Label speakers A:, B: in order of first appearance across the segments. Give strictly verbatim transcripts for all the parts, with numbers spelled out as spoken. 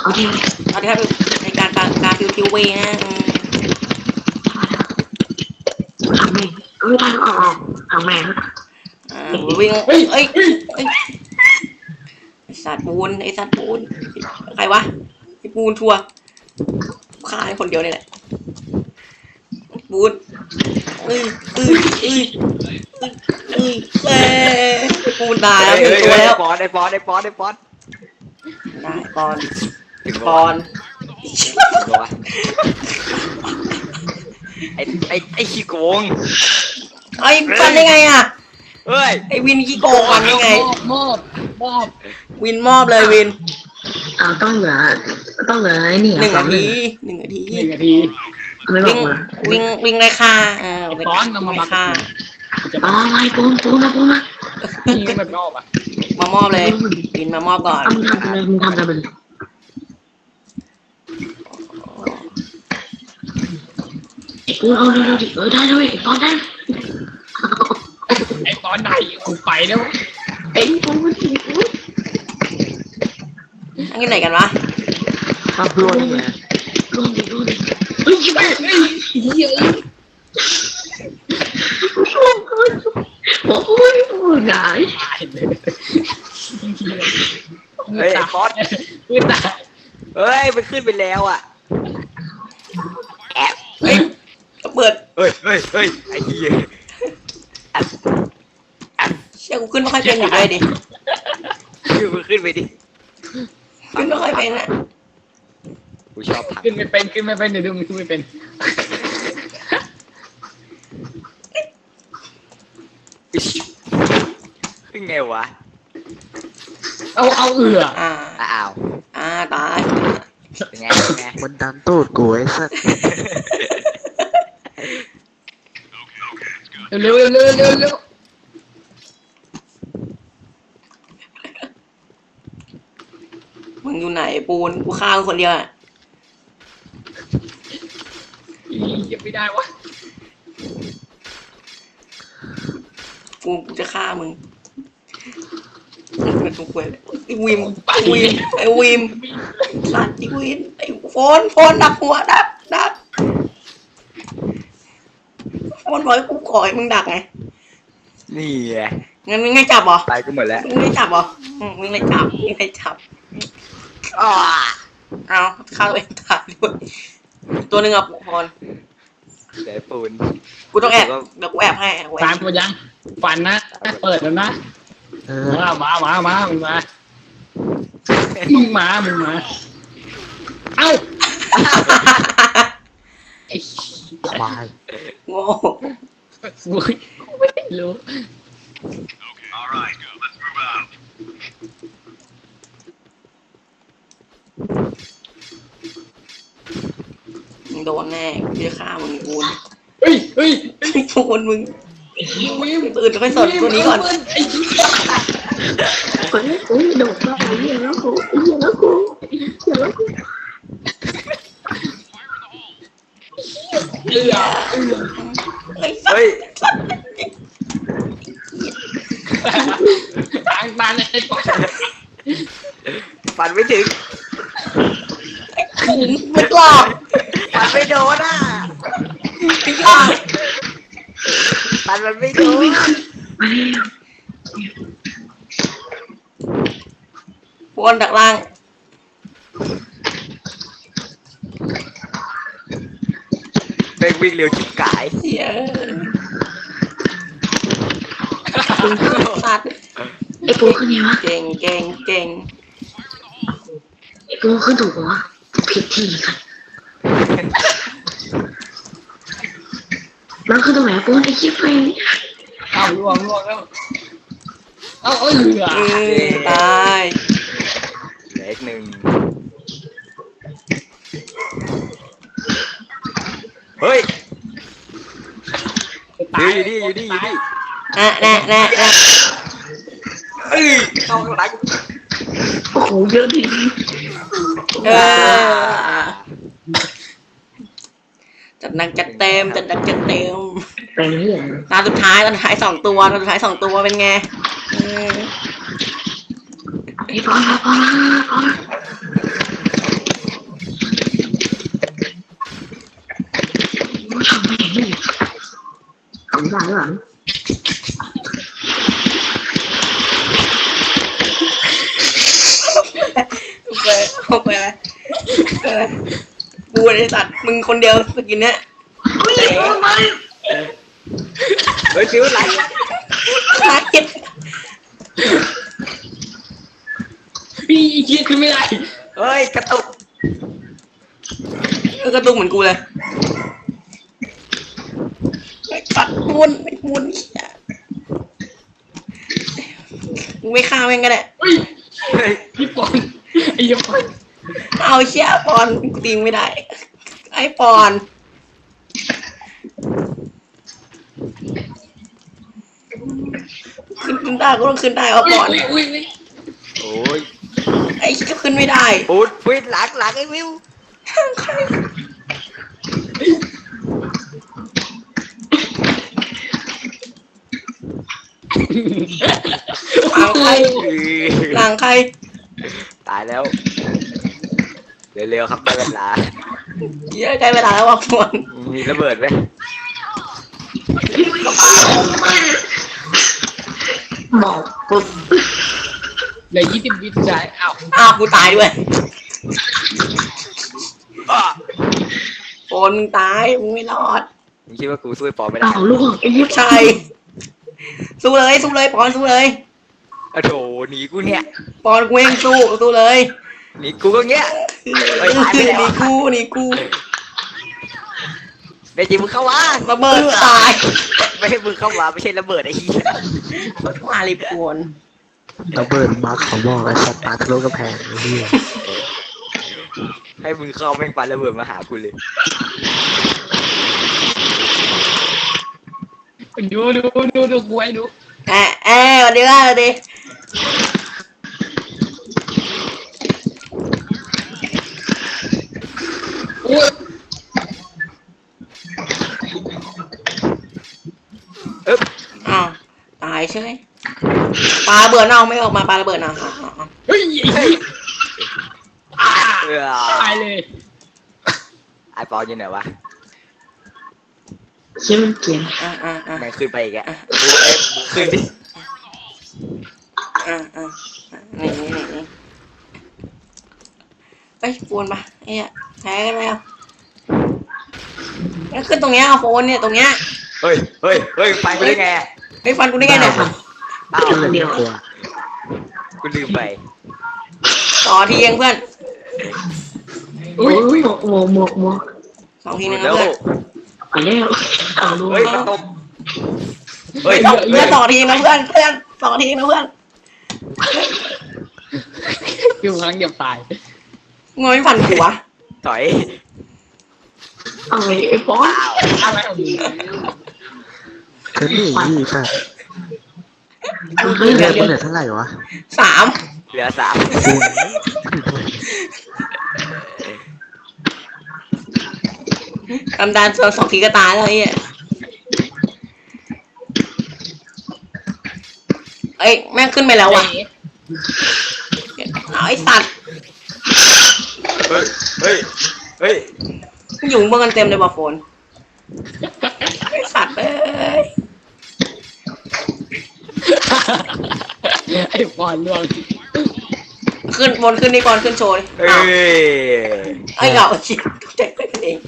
A: เอาที่
B: เอาที่ครับในการการการคิวคิวเวนะ
A: ทำแม่เออได้ออกทำแม่
B: อ่าวิ่งเอ้ยเอ้ยไอสัตว์ปูนไอสัตว์ปูนใครวะไอปูนทัวร์ฆ่าคนเดียวนี่แหละปูนเอ้ยเอ้ยเอ้ยเอ้ยเอ้ยปูนตายแล้วหนึ่งตัวแล้ว
C: ปอนไอปอนไอปอนไอปอน
B: ได้ปอน
C: ถึง
B: ปอน
C: ตัวไอไอไอขี้โกง
B: ไอ้ปันได้ไงอ่ะ
C: เฮ้ย
B: ไอ้วินขี้โกงปันได้ไง
D: มอบมอบ
B: วินมอบเลยวิน
A: อ่าต้องเหลือต้องเหลือไอ้นี่
B: หนึ่ง
A: สอ
B: นาง
A: หนึ่
B: ที
A: ง
B: หนึ่งนาที
D: หนึ่งนาที
A: ไม่บอ
B: วิ่
A: ก
B: ง
A: มา
B: วิ่งวิ่งเลยค่ะเออ
D: ไอ้ก้อนนำมาบัก
B: ค่ะ
D: จะ
A: อ๋อไม่ปูนปูนมาปูนมา
D: ยิงแบบนอกอ่ะ
B: มามอบเลยวินมามอบก่อน
A: เอามึงทำอะไรมึงทำอะไรมันไอ้ปูนเอาเร็วๆดิเออได้เลยไอ้ปอนได้
D: ไอ้ตอนไหนกูไปแล้ว
A: ไอ้ปูนไอ้ปูน
B: อันนี้ไหนกันวะ
A: ขับรถเลยรถดิรถดิเฮ้ยชิบหาย
D: เฮ้ยเฮ้ย
A: โอ้ยโอ้ยไง
D: ตายเลย
C: เฮ้ยไอปอน
D: มือตาย
C: เฮ้ยมันขึ้นไปแล้วอ่ะ
B: เฮ้ยก็เปิด
C: เฮ้ยเฮ้ยเฮ้ยไอ้เหี้ย
B: เชี่ยกูขึ้นไม่ค่อยเป็นอยู่เลยดิ
C: มันขึ้นไปดิ
B: ขึ้นไม่ค่อยเป็นอ่ะ
C: กูชอบถัง
D: ขึ้นไม่เป็นขึ้นไม่เป็นเดี๋ยวดูมันขึ้นไม่เป็น
C: ขึ้นไงวะ
D: เอาเอาเอือ
B: อ่า
C: อ้าว
B: อ่าตาย
C: เป็นไงเป็นไง
E: มันดันตูดกูไอ้สัส
D: เร็วเร็วเร็วเร็วเร็ว
B: มึงอยู่ไหนปูนกูฆ่ามึงคนเดียวอ่ะ
D: ยังไม่ได้วะ
B: กูกูจะฆ่ามึงเป็นตัวกูเลยไอ้วิมไอ้วิมไอ้วิมสัตว์ไอ้วิมไอ้โฟนโฟนดักหัวดักดักโฟนบอกให้กูขอให้มึงดักไง
C: นี่ไง
B: งั้นมึงไม่จับเหรอ
C: ไปกูหมดแล้ว
B: มึงไม่จับเหรออืมมึงไม่จับมึงไม่จับ
C: อ้า
B: เอาฆ่าตัวเองตายด้วยตัวหนึ่งอ่ะพร
C: เดี๋ยวปูน
B: กูต้องแอบเดี๋ยวกูแอบให้กูแอ
D: ตาม
B: บ
D: ตัวยังฟันนะเปิดแล้วนะ
E: เออ
D: มามามามามึงมามึงมามึงมาเอ้าไอ้
E: ควาย
B: โง่
D: กูไม่รู้
B: มึงโดนแน่กูจะฆ่ามึงกู
D: เฮ้ยเฮ้ย
B: โดนมึง
D: วิม
B: ตื่นค่อยสนตัวนี้ก่อน
D: ไอ้ชี้
A: เฮ้ยเฮ้ยโดดเข้าไปเหี้ยแล้วกูเหี้ยแล้วกูเหี้ยแล้วกู
D: เอือเอือ
B: ไอ้สัส
C: เฮ้ย
D: ทางตันไอ้ปอ
C: ฟันไม่ถึง
B: ขุมไม่กล้า
C: ฟันไม่โดนอ่ะ
B: ไม่กล้า
C: ฟันมันไม่โดน
B: บนดักล่าง
C: เป็นวิ่งเร็วชิบกาย
B: เหี้ยสัตว์
A: ไอ้ปูขึ้นไงวะ
B: เก่งเก่งเก่ง
A: ไอ้ปูขึ้นถูกปะวะผิดที่กันมันคือตรงไหนปูไอ้ชิบไป
D: เอาล่วงล่วงแล้วเอาเอือ
B: อืมตาย
C: เหลืออีกหนึ่งเฮ้ยอยู่นี่อยู่นี่อยู่นี่
B: อ่ะแน่แน่แน่
C: เอ้ยเข้าข้างหลัง
A: โอ้โหเยอะดิ
B: เออจัดหนักจัดเต็มจัดหนักจัดเต็ม
A: เป็นเหี้ย
B: ตาสุดท้ายตาสุดท้ายสองตัวตาสุดท้ายสองตัวเป็นไงอืม
A: ไอ้ปอนมาปอนมาปอนทำได้หรอ
B: ไปเอาไปเลยเออกูไอ้สัตว์มึงคนเดียวสกินเนี้ย
C: เฮ้ยฟิวไหล
B: มาเก็ต
D: พี่อีเกียขึ้นไม่ได้
C: เฮ้ยกระตุก
B: เออกระตุกเหมือนกูเลยไอ้สัตว์มุนไอ้มุนเนี่ยกูไม่ฆ่าแม่งก็ได้
D: เฮ้ย
C: เฮ้ย
D: พี่ปอนไอ้ยปอน
B: เอาเชี่ยปอนกูตีไม่ได้ไอ้ปอนขึ้นขึ้นได้ก็ต้องขึ้นได้เอาปอน
D: อุ้ยอุ้ยอุ้ย
C: โอ้ย
B: ไอ้ก็ขึ้นไม่ได้
C: ปูดฟิวหลังหลังไอ้ฟิว
B: หลังใครหลังใคร
C: ตายแล้วเร็วๆครับได้เวลา
B: เยอะใกล้เวลาแล้วว่ะปอน
C: มีระเบิดไหม
A: บอกปุ๊บ
D: เหลือยี่สิบวิสุดท้ายอ้าว
B: อ้าวกูตายด้วย
C: อ้า
B: ปอนมึงตายมึงไม่รอด
C: มึงคิดว่ากูสู้ไอ้ปอไม่ได้
A: อ้าวลูกไอ้ยิบ
B: ใช่สู้เลยสู้เลยปอนสู้เลย
C: อะโถหนีกูเนี่ย
B: ปอนกูเองสู้สู้เลย
C: หนีกูก็เงี้ย เฮ้ย
B: ห
C: ตายไปแล้ว
B: นีกูหนีกู
C: เดี๋ยวจีมึงเข้ามา
B: ระเบิดตาย
C: ไม่ให้มึงเข้ามาไม่ใช่ระเบิดไอ้เหี้ย
B: มาลิปวน
E: ระเบิดบักเขาบอกไอ้สัตว์ปลาทะลุกระแพงไอ้เหี้ย
C: ให้มึงเข้าแม่งปาระเบิดมาหากูเลย
D: ดูดูดูดูกูไอ้ดู
B: แอะแอะสวัสดีครับสวัสดี
D: อุ้ย
C: เอ๊บ
B: อ้าวตายใช่ไหมปลาระเบิดเอาไม่ออกมาปลาระเบิดเอาเอาเอาเอา
D: เฮ้ยไอ้เหี้ยอ่า
C: เออ
D: ตายเลย
C: ไอ้ปออยู่ไหนวะ
A: เชื่อมันเกลียน
B: อ่ะอ่ะอ่ะ
C: แม่งขึ้นไปอีกอะกูเอ๊ะมึงขึ้นดิ
B: อ่ะอ่ะนี่นี่นี่นี่เอ้ยปวนปะไอ้เนี่ยแพ้กันแล้วแล้วขึ้นตรงเนี้ยเอาโฟนเนี่ยตรงเนี้ย
C: เฮ้ยเฮ้ยเฮ้ยฟันกูได้ไงอะ
B: ไอ้ยฟันกูได้ไงเนี่ย
C: อ้าว
E: ก็เลยไม่กลัว
C: กูลืมไป
B: ต่อทีเองเพื่อน
A: อุ้ยหมวกหมวกหมวกหมวก
B: สองทีนึงนะ
C: แล้ว
B: เพื่อน
A: ไปแล้วเอาลูก
C: เฮ้ยมันตกเฮ้ย
B: ต่อเพื่อนต่อทีนะเพื่อนเพื่อนต่อทีนะเพื่อน
D: อยู่ครั้งเดียวตาย
B: งอยฟันหัว
C: ถอย
A: เอาไอ้ไอ้ฟอน
D: อะไรของมึง
E: ก็นี่ยี่ค่ะ
A: เฮ้ย
E: เลื
A: เดี๋
E: อ
A: ยว
E: ด
A: เดี๋ยว
E: มันเหลือเท่าไหร่วะ
B: สาม
C: เหลือสาม
B: กำดานสองสองทีก็ตายแล้วไอ้เนี่ยเอ้ยแม่งขึ้นไปแล้วว่ะเอาไอ้สัตว์
C: เฮ้ยเฮ้ยเฮ้ย
B: อยู่เมืองกันเต็มเลยว่ะโฟนไอ้สัตว์เอ้ย
D: ไอ้ปอนล่วง
B: ขึ้นบนขึ้นนี่ก่อนขึ้นโชว์ดิ
C: เฮ้
B: อ้าวย ไอ้เหงาชิบแจ็คกันเอง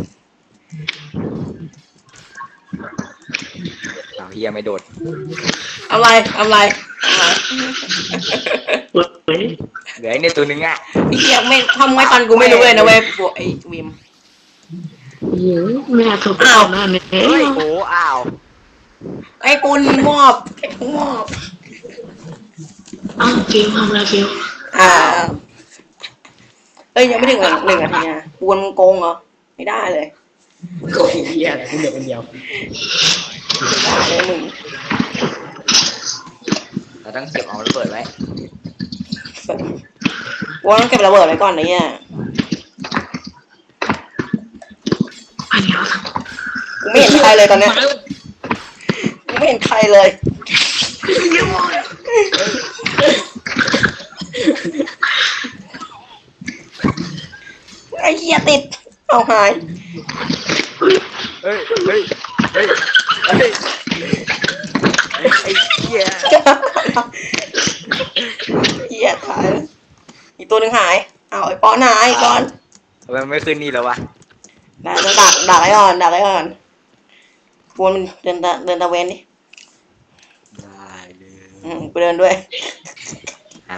C: อ้าวเฮียไม่โดด
B: อะไรอะไรอะไร
A: เฮ้ย
C: เหลือไอ้เนี่ยตัวนึงอ่ะ
B: ไอ้เหี้ยไม่ทำไม่ฟันกูไม่รู้เลยนะเว้ยพวกไอ้วิม
A: เยอะแม่ถูก
B: อ้าว
A: หน้าเนี่ย
C: เฮ้ยโอ้อ้าว
B: ไอ้ปุนมอบไอ้ปุนมอบ
A: อ้าวเกมทำอะไรเกม
B: อ่าเอ้ยยังไม่ถึงหนึ่งนาทีนะปวนมึงโกงเหรอไม่ได้เลย
D: โอ้ยเหี้ยอะไรกูเดียวคนเดียว
B: ได้เลยมึง
C: เราต้องเก็บเอาระเบิดไว้
B: ว่าต้องเก็บระเบิดไว้ก่อนนะเนี่ย
A: อันนี้เอา
B: กูไม่เห็นใครเลยตอนเนี้ยกูไม่เห็นใครเลยไอ้เหี้ยติดเอาหาย
C: เฮ้ยเฮ้ยเฮ้ยไอ้เหี้ย
B: เหี้ยตายแล้วอีกตัวหนึ่งหายเอาไอ้ปอนหายไอ้ปอน
C: ทำไมไม่ขึ้นนี่แล้ววะ
B: ได้ต้องดักดักไว้ก่อนดักไว้ก่อนปูนมันเดินตะเดินตะเวนดิ
C: ได้เลย
B: อืมกูเดินด้วย
C: อ่ะ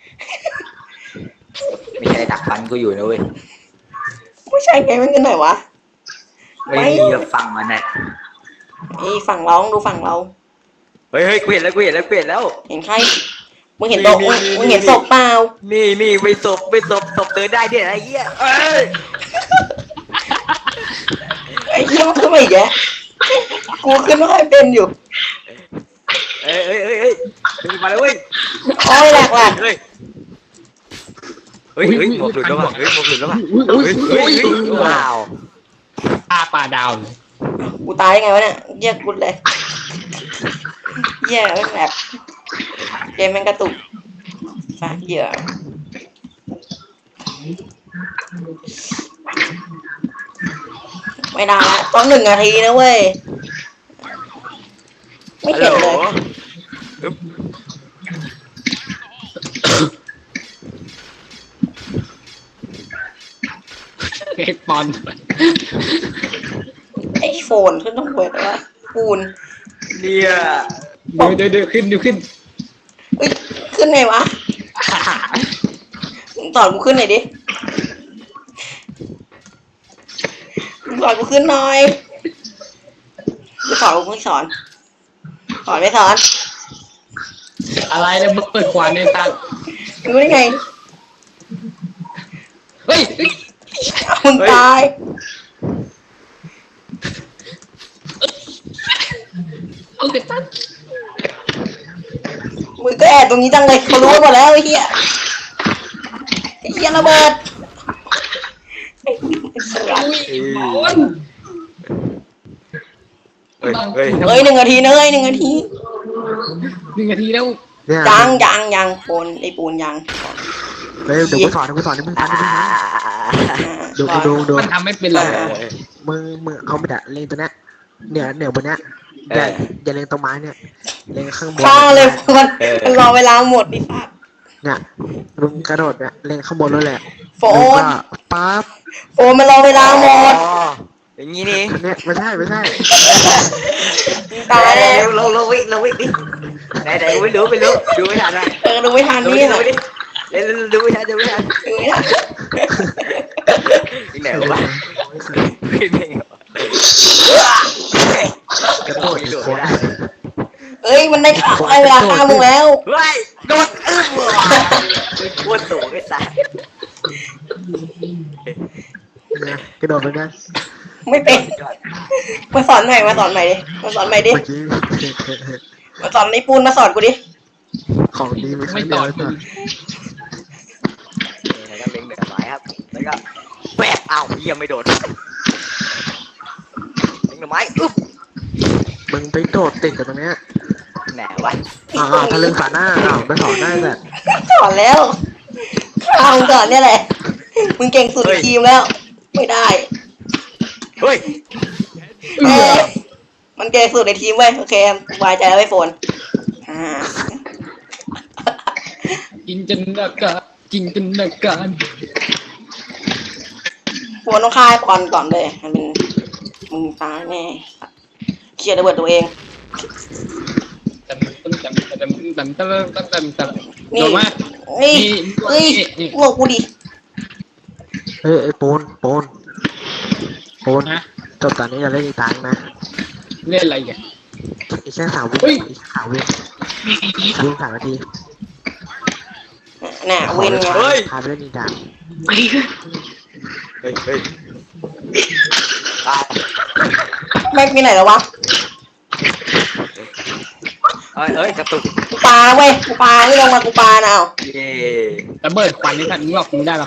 C: ไม่ใช่ดักฟันกูอยู่นะเว้ย
B: ไม่ใช่ไงมันกันไหนวะ
C: ไม่มีจะฟังมันน่ะ
B: นี่ฝั่งเราต้องดูฝั่งเรา
C: เฮ้ยเฮ้ยกูเห็นแล้วกูเห็นแล้วกูเห็นแล้ว
B: เห็นใครมึงเห็นโตะ
C: นี่
B: มึง
C: นี่
B: มึงเห็น
C: นี่
B: ศพเปล่า
C: นี่นี่ไม่ศพไม่ศพศพเดินได้เนี่ยไอ้เหี้ยเอ้ย
B: ไอ้เหี้ยมันขึ้นมาอีกแกกูขึ้นไม่ค่อยเป็นอยู่
C: เอ้ยเอ้ยเอ้ยเอ้ยมาแล้วเว้ย
B: โอ้ยแหลกแหลก
C: เฮ้ยเฮ้ยเฮ้ยหมวกหลุดแล้วว่ะเฮ้ยหมวกหลุดแล้วว่ะ
D: อุ้ยอุ้
C: เฮ้
D: ย
C: ย
D: อุ้
C: เฮ้
D: ย
C: ย
D: อุ้ย
C: เฮ้ยว้าว
D: ตาปลาดาวเลย
B: กูตายยังไงวะเนี่ยเหี้ยกูเลยเหี้ยแม่งแบบเกมแม่งกระตุกฝากเหยื่อไม่ได้ละต้องหนึ่งนาทีนะเว้ยไม่
C: ฮัลโหล
B: เห็นเลย
C: อึ๊บ
D: เอ็กปอน
B: ไอโฟนขึ้นต้องเปิดว่าปูน
C: เนี่ย
D: เดี๋ยวเดี๋ยวเดี๋ยวขึ้นเดี๋ยวขึ้น
B: เอ้ยขึ้นไงวะมึงสอนกูขึ้นหน่อยดิมึงสอนกูขึ้นหน่อยกูสอนกูไม่สอนสอนไม่สอน
D: อะไรเนี่ยมึงเปิดควานในตา
B: รู้ได้ไง
D: เฮ้ยเฮ้ย
B: มึงตาย
D: เอาเกิดตั้ง
B: มึงก็แอบตรงนี้จังเลยเขารู้หมดแล้วไอ้เหี้ยไอ้เหี้ยระเบิดไอ้สลัด
D: อุ้ยบอล
C: เฮ้ยเฮ้ย
B: เอ้ยหนึ่งนาทีนะเอ้ยหนึ่งนาที
D: หนึ่งนาทีแล้ว
E: เนี่ย
B: ยังยังยังปูนไอ้ปูนยัง
E: เฮ้ยเดี๋ยวกูสอนเดี๋ยวกูสอนเดี๋ยวมึงฟัง
C: อ่า
E: เดี๋ยวมึงฟังดูดูดู
D: มันทำไม่เป็นหรอก
E: มึงมึงเอาไปดะเล็งตัวเนี้ยเนี่ยเนี่ยบนเนี้ยอย่าอย่าเล็งตรงไม้เนี่ยเล็งข้างบน
B: ฆ่าเลยมันมันรอเวลาหมดดิสัตว์
E: เนี่ยมึงกระโดดเนี่ยเล็งข้างบนนั่นแหละ
B: โฟน
E: แล้วก็ปั๊บ
B: โฟนมันรอเวลาหมด
C: อ๋ออย่างงี้นี่
E: อันเนี้ยไม่ใช่ไม่ใช่
B: ตายแน่
C: เร็วเราเราวิ่งเราวิ่งดิไหนไหนไม่รู้ไม่รู้ดูไม่ทันนะ
B: เออดูไม่ทัน
C: ดู
B: นี่
C: ดิ
B: เหร
C: ดู
B: อ
C: ดิเร็วดูไม่ทันดูไม่ทัน
B: ดูไม่ทัน
C: ที่ไหนวะไม่เป็นไง
E: กระโดดอีก
C: โดด
E: ค
C: ไม่
E: น
C: ได้
B: เอ้ยมันได้ข่าวไอ้เวลาฆ่ามึงแล้ว
C: เฮ้ยโดดอึ้งปวดสูงไอ้สัส
E: เนี่ยกระโดดไปนะ
B: ไม่เป็นมาสอนใหม่มาสอนใหม่ดิมาสอนใหม่ดิ
E: เมื่อกี้
B: มาสอนไอ้ปูนมาสอนกูดิ
E: ของดีไม่
D: ไม่
E: ใช่
D: ต่
E: เดี
D: อ
E: ยวก่อน
C: แล้วก็เล็งเหนือไม้ครับแล้วก็แวบอ้าวเยี่ยมไม่โดดเล็งเหนือไม้อึ๊บ
E: มึงไปโดดติดกับตรงเนี้ย
C: แหนวะ
E: อ่าถ้าเรื่องฝาหน้าอ้าวไม่สอนได้แต่
B: สอนแล้วข้ามึงก่อนเนี่ยแหละมึงเก่งสุดในทีมแล้ว ไม่ได้
C: เฮ้ย
B: เอ้ยมันเก่งสุดในทีมเว้ยโอเคสบายใจแล้วไอ้โฟนอ่า
D: จินตนาการจินตนาการ
B: โฟนต้องฆ่าไอ้ปอนก่อนเลยมันเป็นมึงตายแน่เคลียร์ระเบิดตัวเอง
D: แต่มันแต่แต่แต่แต่แต่แต่แต่แต่
B: นี่
D: โดนมาก
B: นี่
D: นี่
B: เฮ้ย
D: นี่นี่
B: พวกกูดิ
E: เฮ้ยไอ้ปูนปูนปูน
D: นะ
E: จบตอนนี้อย่าเล่นอีกตังนะ
D: เล่นอะไรกัน
E: อีกแค่สามวิ
D: เฮ้ย
E: อีกแค่สามวิวิ่งสามนาที
B: น่ะเวนไง
C: เฮ้ย
E: พาไปเล่นอีกตัง
C: เฮ้ยเฮ้ยตาย
B: ไม่ไปไหนแล้ววะ
C: เอ้ยเอ้ยกระตุก
B: กูปาเว้ยกูปาไม่ลงมากูปานะเอา
C: เย่
D: ระเบิดควันนี่ท่านมึงหลอกมึงได้หรอ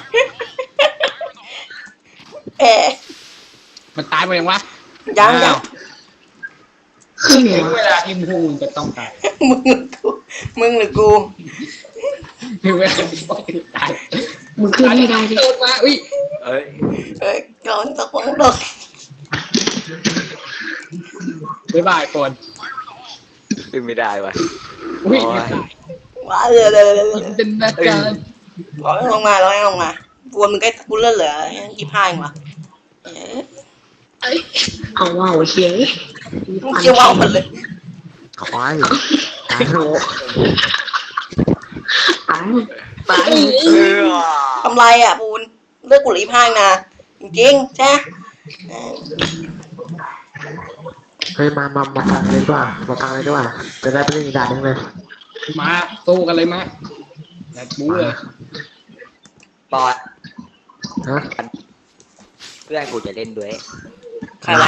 B: เอ๊ะ
D: มันตายไปยังวะ
B: ยังยัง
D: ถึงเวลาที่มึงจะต้องตาย
B: มึงหรือกูมึงหรือกู
D: ถึงเวลาที่ต้องตาย
A: มึงขึ้นไม่ได้ดิ
D: โดนมาอุ้ย
C: เอ้ย
B: เอ้ยก่อนตะคงตก
D: บ๊ายบายปน
C: ขึ้นไม่ได้วะ
D: อุ้ย
C: โอ้ย
B: ว้าเลยเลยเลย
D: จินตนาการ
B: ร้อยลงมาร้อยลงมาปูนมึงใกล้กูเลื่อนเหลือยี่ห้าเองวะเอ๊ะ
A: เอาว่าวเชียง
B: มึงเกี่ยวว่าวหมดเลย
E: ควายตายโห
A: ตายตาย
C: เออ
B: ทำไรอ่ะปูนเลือกกูเหลือยี่ห้านะจริงๆใช่เออ
E: เฮ้ยมามามาฟังเลยดีกว่ามาฟังเลยดีกว่าจะได้ไปเล่นอีกด่านหนึงเลย
D: มาสู้กันเลยมาแบบบู๊เลย
C: ปอด
E: ฮะ
C: เพื่อนกูจะเล่นด้วย
B: ใครวะ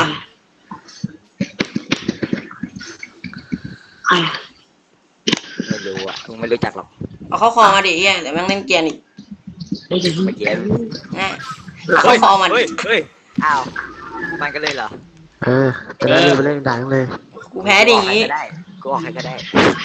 A: ไอ้
C: ไม่รู้อ่ะมึงไม่รู้จักหรอก
B: เอาเข้าคอมาดิเฮียเดี๋ยวแม่งเล่นเกียร์อีก
A: ไอ้จะ
C: เมื่อกี้
B: นะเอาเข้าคอมัน
C: เฮ้ยเฮ้ยอ้าวมันก็เลยเหรอ
E: เออจะได้ไปเล่นอีกด่านหนึงเลย
B: กูแพ้ดิอย่างงี้
C: กูออกใครก็ได้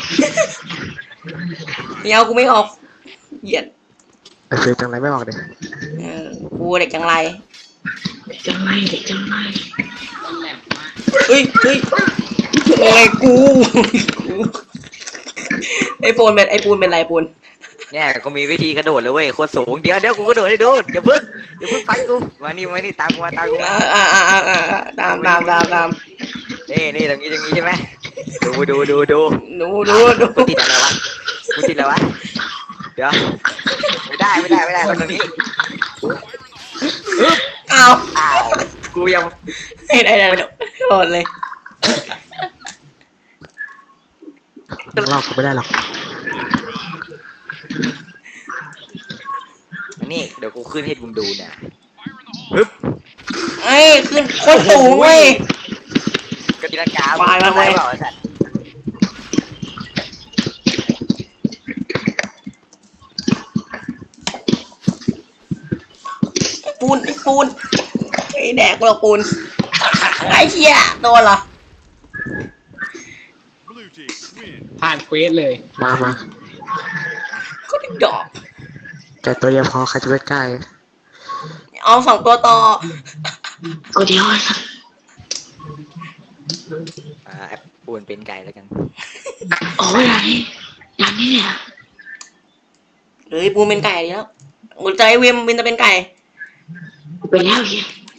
B: เดี๋ยวกูไม่ออกเหยียด
E: ไอ้เฟยจังไรไม่บอกเด็ก
B: เออกูเด็กจังไร
A: จังไรเด็กจังไร
B: เฮ้ยเฮ้ยโอ้ยกูกูไอปูนเป็นไอปูนเป็นไรปูน
C: เนี่ยก็มีวิธีกระโดดเลยเว้ยโคตรสูงเดี๋ยวเดี๋ยวกูกระโดดให้ดูอย่าเพิ่งอย่าเพิ่งฟันกูมานี่มานี่ตามกูมาตามกูมา
B: อ่าอ่าอ่าอ่าอ่าตามตามตามตาม
C: นี่นี่ตรงนี้ตรงนี้ใช่ไหมดูดูดูดู
B: ดูดูดู
C: กูติดอะไรวะกูติดอะไรวะเดี๋ยวไม่ได้ไม่ได้ไม่ได้ตรงนี้
B: อ้าว
C: อ้าวกูยัง
B: ไม่ได้ไม่ได้โดนเลย
E: ลอกกูไม่ได้หรอก
C: นี่เดี๋ยวกูขึ้นให้มึงดูนะปึ๊บ
B: ไอ้ขึ้นโคตรสูงเว้ย
C: กติกา
B: ควายมาเลย
C: เปล่าไอ้สัตว์
B: ปูนไอ้ปูนไอ้แดกกูหรอกปูนไอ้เหี้ยโดนเหรอ
D: ผ่านเควสเลย
E: มามา
B: ก็ได้ดอก
E: แกตัวเดียวพอใครจะไปใกล้
B: เอาสองตัวต่อ
A: ตัวเดียวอะ
C: อ่าแอปปูนเป็นไก่แล้วกัน
A: โอ้ยอะไรอย่างนี้เนี่ย
B: เฮ้ยปูนเป็นไก่ดีแล้วหัวใจเวมวินจะเป็นไก่
A: ไปแล้วเฮีย